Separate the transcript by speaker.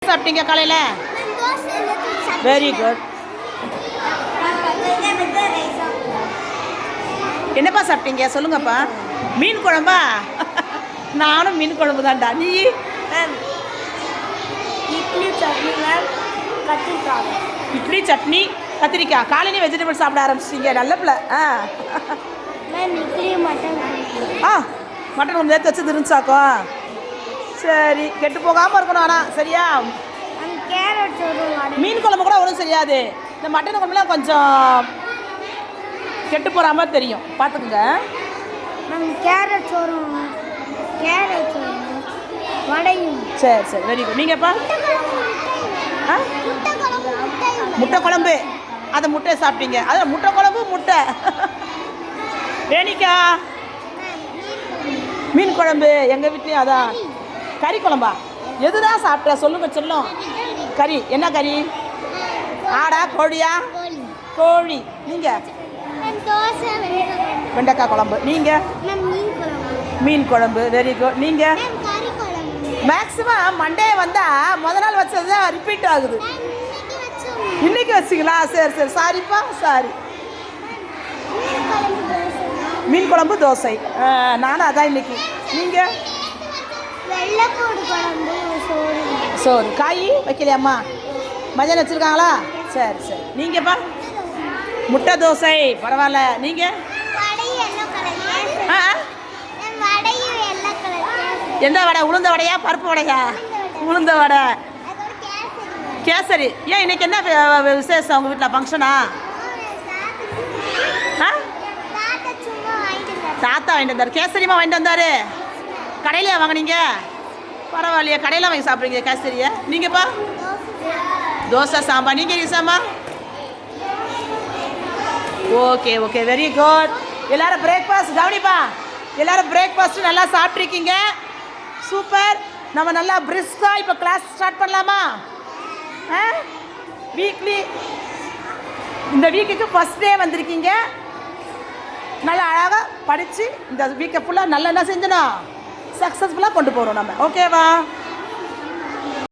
Speaker 1: சாப்பிட்டீங்க காலையில்? Very good. என்னப்பா சாப்பிட்டீங்க சொல்லுங்கப்பா. மீன் குழம்பா? நானும் மீன் குழம்பு தான்டா. நீ?
Speaker 2: இட்லி சட்னி மேம், கத்திரிக்காய்.
Speaker 1: இட்லி சட்னி கத்திரிக்காய். காலையிலே வெஜிடபிள் சாப்பிட ஆரம்பிச்சிட்டீங்க. நல்ல பிள்ளை.
Speaker 2: Ma'am idli mutton.
Speaker 1: மட்டன் கொஞ்சம் நேற்று வச்சு இருந்துச்சாக்கோ. சரி, கெட்டு போகாமல் இருக்கணும். ஆனால் சரியா?
Speaker 2: கேரட் வரும்.
Speaker 1: மீன் குழம்பு கூட ஒன்றும் சரியாது. இந்த மட்டன் குழம்புலாம் கொஞ்சம் கெட்டு போகிற மாதிரி தெரியும், பார்த்துக்குங்க.
Speaker 2: மேம் கேரட் வரும், கேரட் வரும், வடையும்.
Speaker 1: சரி சரி, வெரி குட். நீங்கப்பா? முட்டை குழம்பு. அந்த முட்டையை சாப்பிட்டீங்க. அதில் முட்டை குழம்பு முட்டை. வேணிக்கா மீன் குழம்பு. எங்கள் வீட்லேயும் அதான். கறி குழம்பா? எதுதான் சாப்பிட்ட சொல்லுங்க சொல்லும். கறி என்ன கறி? ஆடா கோழியா? கோழி. நீங்கள்? வெண்டைக்காய் குழம்பு. நீங்கள்? மீன் குழம்பு. Very good. நீங்கள்? மேக்ஸிமம் மண்டே வந்தால் முத நாள் வச்சது தான் ரிப்பீட் ஆகுது. இன்னைக்கு வச்சிங்களா? சரி சரி, சாரிப்பா, சாரி. மீன் குழம்பு தோசை. நானும் அதான் இன்னைக்கு. நீங்கள்? சோறு. காய் வைக்கலையாம்மா? மதியானம் வச்சுருக்காங்களா? சரி சரி. நீங்கப்பா? முட்டை தோசை. பரவாயில்ல. நீங்கள்? எந்த வடை? உளுந்த வடையா பருப்பு வடையா? உளுந்த வடை. கேசரி. ஏன் இன்னைக்கு என்ன விசேஷம் உங்கள் வீட்டில்? ஃபங்க்ஷனா? தாத்தா வாங்கிட்டு வந்தார். கேசரிமா வாங்கிட்டு வந்தார். கடையிலையா வாங்கினீங்க? பரவாயில்லையே, கடையில் வாங்கி சாப்பிட்றீங்க கேசரியை. நீங்கப்பா? தோசை சாம்பார். நீங்கள் ஈசாமா? Okay okay, very good. எல்லோரும் பிரேக்ஃபாஸ்ட் கவனிப்பா. எல்லோரும் பிரேக்ஃபாஸ்ட்டு நல்லா சாப்பிட்ருக்கீங்க. சூப்பர். நம்ம நல்லா பிரிஸ்காக இப்போ கிளாஸ் ஸ்டார்ட் பண்ணலாமா? வீக்லி இந்த வீக்குக்கு ஃபஸ்ட் டே வந்திருக்கீங்க. நல்லா அழகாக படித்து இந்த வீக்கை ஃபுல்லாக நல்லா என்ன செஞ்சணும், சக்ஸஸ்ஃபுல்லாக கொண்டு போகிறோம் நம்ம. ஓகேவா?